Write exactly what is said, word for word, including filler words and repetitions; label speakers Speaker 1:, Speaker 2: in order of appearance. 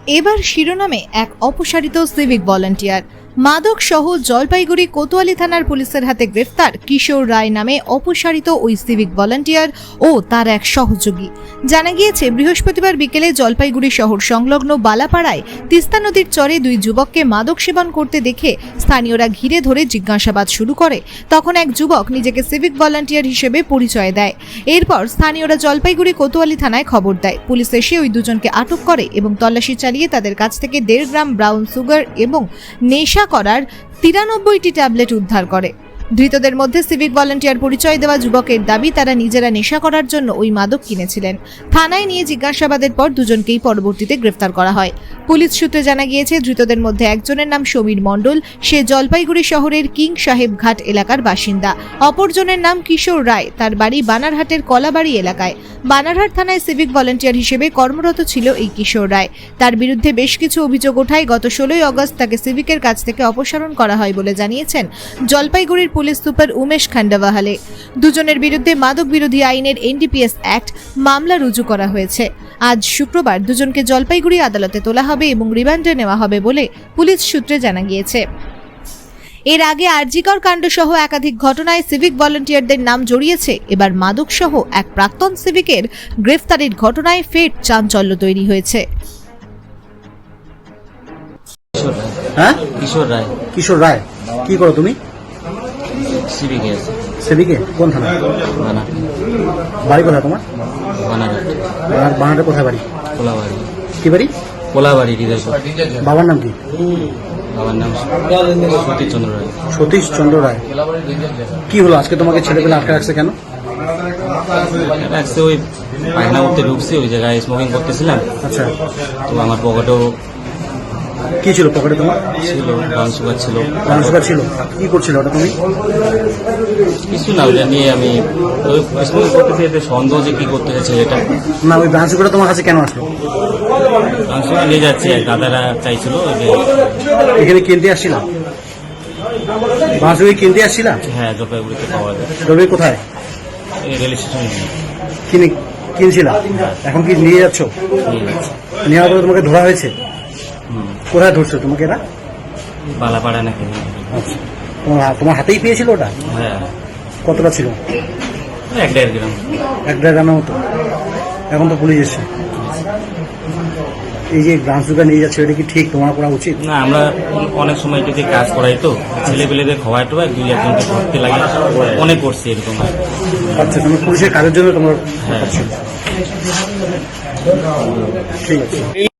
Speaker 1: এবার শিরোনামে এক অপসারিত সিভিক ভলান্টিয়ার। মাদক সহ জলপাইগুড়ি কোতোয়ালি থানার পুলিশের হাতে গ্রেফতার কিশোর রায় নামে অপসারিত ওই সিভিক ভলান্টিয়ার ও তার এক সহযোগী। জানা গিয়েছে, বৃহস্পতিবার বিকেলে জলপাইগুড়ি শহর সংলগ্ন বালাপাড়ায় তিস্তা নদীর চরে দুই যুবককে মাদক সেবন করতে দেখে স্থানীয়রা ঘিরে ধরে জিজ্ঞাসাবাদ শুরু করে। তখন এক যুবক নিজেকে সিভিক ভলান্টিয়ার হিসেবে পরিচয় দেয়। এরপর স্থানীয়রা জলপাইগুড়ি কোতোয়ালি থানায় খবর দেয়। পুলিশ এসে ওই দুজনকে আটক করে এবং তল্লাশি চালিয়ে তাদের কাছ থেকে দেড় গ্রাম ব্রাউন সুগার এবং নেশা করার তিরানব্বইটি ট্যাবলেট উদ্ধার করে। ধৃতদের মধ্যে সিভিক ভলান্টিয়ার পরিচয় দেওয়া যুবকের দাবি, তারা নিজেরা নেশা করার জন্য ওই মাদক কিনেছিলেন। থানায় নিয়ে জিজ্ঞাসাবাদের পর দুজনকেই পরবর্তীতে গ্রেফতার করা হয়। পুলিশ সূত্রে জানা গিয়েছে, ধৃতদের মধ্যে একজনের নাম সমীর মণ্ডল, সে জলপাইগুড়ি শহরের কিং সাহেব ঘাট এলাকার বাসিন্দা। অপরজনের নাম কিশোর রায়, তার বাড়ি বানারহাটের কলাবাড়ি এলাকায়। বানারহাট থানায় সিভিক ভলান্টিয়ার হিসেবে কর্মরত ছিল এই কিশোর রায়। তার বিরুদ্ধে বেশ কিছু অভিযোগ ওঠায় গত ষোলোই অগস্ট তাকে সিভিকের কাছ থেকে অপসারণ করা হয় বলে জানিয়েছেন জলপাইগুড়ির পুলিশ সুপার উমেশ খান্ডাওয়াহালে। দুজনের বিরুদ্ধে মাদক বিরোধী আইনের এনডিপিএস অ্যাক্ট মামলা রুজু করা হয়েছে। আজ শুক্রবার দুজনকে জলপাইগুড়ি আদালতে তোলা হবে এবং রিমান্ডে নেওয়া হবে বলে পুলিশ সূত্রে জানা গিয়েছে। এর আগে আরজিকর কাণ্ড সহ একাধিক ঘটনায় সিভিক ভলান্টিয়ারদের নাম জড়িয়েছে। এবার মাদক সহ এক প্রাক্তন সিভিকের গ্রেফতারের ঘটনায় ফের চাঞ্চল্য তৈরি হয়েছে।
Speaker 2: হ্যাঁ,
Speaker 3: কিশোর রায়।
Speaker 2: কিশোর রায়, কি করো তুমি?
Speaker 3: সিভিকে আছে।
Speaker 2: সিভিকে কোন থানা?
Speaker 3: বানার।
Speaker 2: বাড়ি কোথায় তোমার?
Speaker 3: বানারহাট।
Speaker 2: বানার- বানারহাটে কোথায় বাড়ি?
Speaker 3: কোলাবাড়ি।
Speaker 2: কি বাড়ি?
Speaker 3: কোলাবাড়ি হৃদয়পুর।
Speaker 2: বাবার নাম কি?
Speaker 3: বাবার নাম সতীশ চন্দ্র রায়।
Speaker 2: সতীশ চন্দ্র রায়। কি হলো আজকে তোমাকে ছেলেপেলে আটকে রাখছে কেন?
Speaker 3: রাখছে ওই পায়খানা করতে ঢুকছি, ওই জায়গায় স্মোকিং করতেছিলাম।
Speaker 2: আচ্ছা,
Speaker 3: তো আমার পকেটেও
Speaker 2: কি ছিল পকেটে তোমার?
Speaker 3: ছিল, ব্রাউন সুগার ছিল।
Speaker 2: ব্রাউন সুগার ছিল। কি করছিল ওটা তুমি?
Speaker 3: কিছু না, ওইটা নিয়ে আমি ওই স্মোকিং করতেছি, এতে সন্দেহ যে কি করতেছে ছেলেটা।
Speaker 2: না, ওই ব্রাউন সুগারটা তোমার কাছে কেন আসলো?
Speaker 3: ব্রাউন সুগার নিয়ে যাচ্ছে, দাদারা চাইছিল ওই যে।
Speaker 2: এখানে কিনতে আসছিলাম? ব্রাউন সুগার কিনতে আসছিলাম?
Speaker 3: হ্যাঁ, জলপাইগুড়িতে পাওয়া যায়।
Speaker 2: রবি কোথায়
Speaker 3: এই রেল স্টেশনে
Speaker 2: কিনে কিনছিলাম? এখন কি নিয়ে যাচ্ছ?
Speaker 3: নিয়ে যাচ্ছে।
Speaker 2: নেওয়ার পরে তোমাকে ধরা হয়েছে?
Speaker 3: হুম,
Speaker 2: কোথায় ধরছো তোমাকে এরা?
Speaker 3: বালাপাড়া নাকি।
Speaker 2: আচ্ছা, তোমার তোমার হাতেই পেয়েছিল ওটা?
Speaker 3: হ্যাঁ,
Speaker 2: কতটা ছিল?
Speaker 3: এক দেড় গ্রাম।
Speaker 2: এক দেড় গ্রামের মতো। এখন তো পুলিশ এসছে। এই যে ব্রাউন সুগার নিয়ে যাচ্ছে, এটা কি ঠিক তোমার করা উচিত?
Speaker 3: না, আমরা অনেক সময় এটাতে কাজ করাই, তো ছেলে পেলেদের খাওয়াই টোয়াই দুই একজনকে ধরতে লাগে, অনেক করছি এরকম।
Speaker 2: আচ্ছা, তুমি পুলিশের কাজের জন্য তোমার
Speaker 3: হ্যাঁ।
Speaker 2: ঠিক আছে।